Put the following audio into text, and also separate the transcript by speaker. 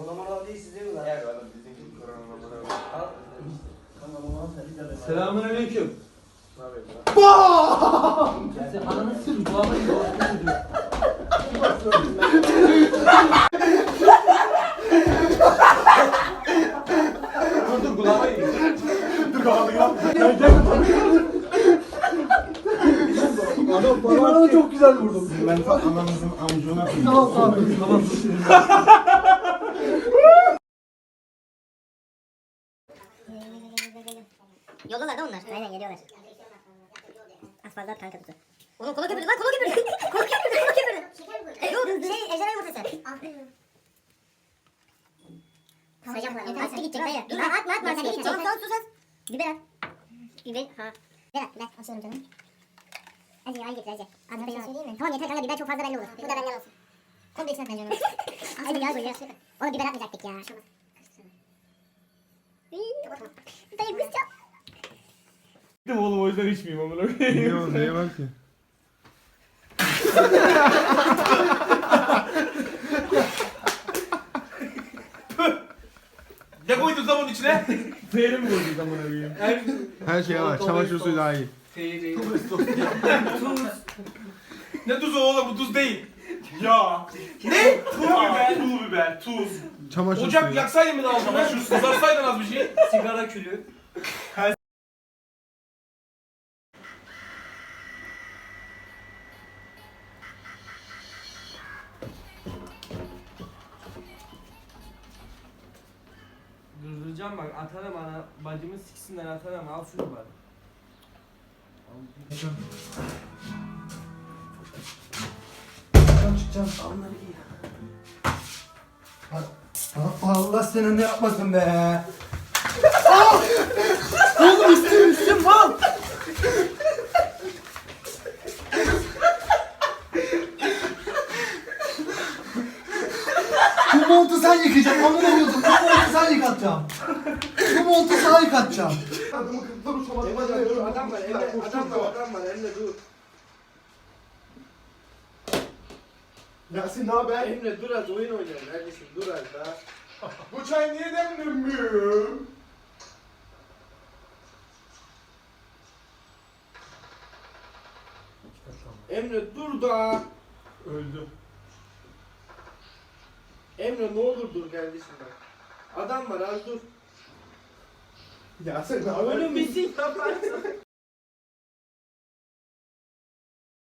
Speaker 1: zaman al değil size mi lan?
Speaker 2: Evet oğlum bizim korona numara.
Speaker 1: Al. Tamam onu al sen de.
Speaker 3: Selamünaleyküm.
Speaker 2: Ne yapıyorsun lan?
Speaker 3: Sen ananı sür, kulağıma gidiyor. Dur kulağıma gidiyor.
Speaker 2: Dur kafanı yap.
Speaker 3: Bana çok güzel vurdun.
Speaker 2: Ben ananızın amucuna koyayım.
Speaker 3: Tamam tamam. Tamam.
Speaker 4: Yoldalar da onlar. Aynen geliyorlar. Az fazla at kanka tutu. Oğlum kola köpürdü lan kola köpürdü. Kola köpürdü kola köpürdü. Yok ejderha yumurtası. Hocam attı gidecek dayı. Dur atma atma sen gidecek. Tamam sus az. Biber at. Biber ha. Biber at biber. Atıyorum canım. Acı al getir acı. Az biber söyleyeyim mi? Tamam yeter kanka biber çok fazla belli olur. Bu da benden olsun. Komple içine atacağım. Acı yağ koy ya. Oğlum biber atmayacaktık ya. Dayı kızcağım.
Speaker 2: Gittim oğlum o yüzden içmeyeyim amına koyayım.
Speaker 5: Biliyorum neye var ki?
Speaker 2: Ne koydun zaman içine? Peynir mi koydun amına koyayım?
Speaker 5: Her şey var. Çamaşır suyu dahil.
Speaker 2: Ne tuzu oğlum bu tuz değil. Ya. Ne? Pul biber. Pul biber, tuz.
Speaker 5: Çamaşır
Speaker 2: Ocak
Speaker 5: suyu.
Speaker 2: yaksaydın mı daha sonra? Şu kızarsaydın az bir şey.
Speaker 3: Sigara külü. Durduracağım bak atarım ana bacımı siksinler atarım al şunu bari.
Speaker 1: Çıkacağım. Onları giy. Allah senin ne yapmasın be. Oğlum üstüm mal. Bu montu sen yıkayacaksın. Amına koydum. Bu montu sen yıkatacaksın. Bu montu sen yıkatacaksın.
Speaker 2: Adam var, adam var, Emre dur.
Speaker 5: Yasin ne haber?
Speaker 2: Emre dur az oyun oynayalım. Neredesin? Dur az daha.
Speaker 5: Bu çay niye demlenmiyor?
Speaker 2: Emre dur da.
Speaker 5: Öldü.
Speaker 2: Emre ne olur dur kardeşim bak. Adam var az dur.
Speaker 5: Yasin ne haber?
Speaker 2: Oğlum bir şey yaparsın.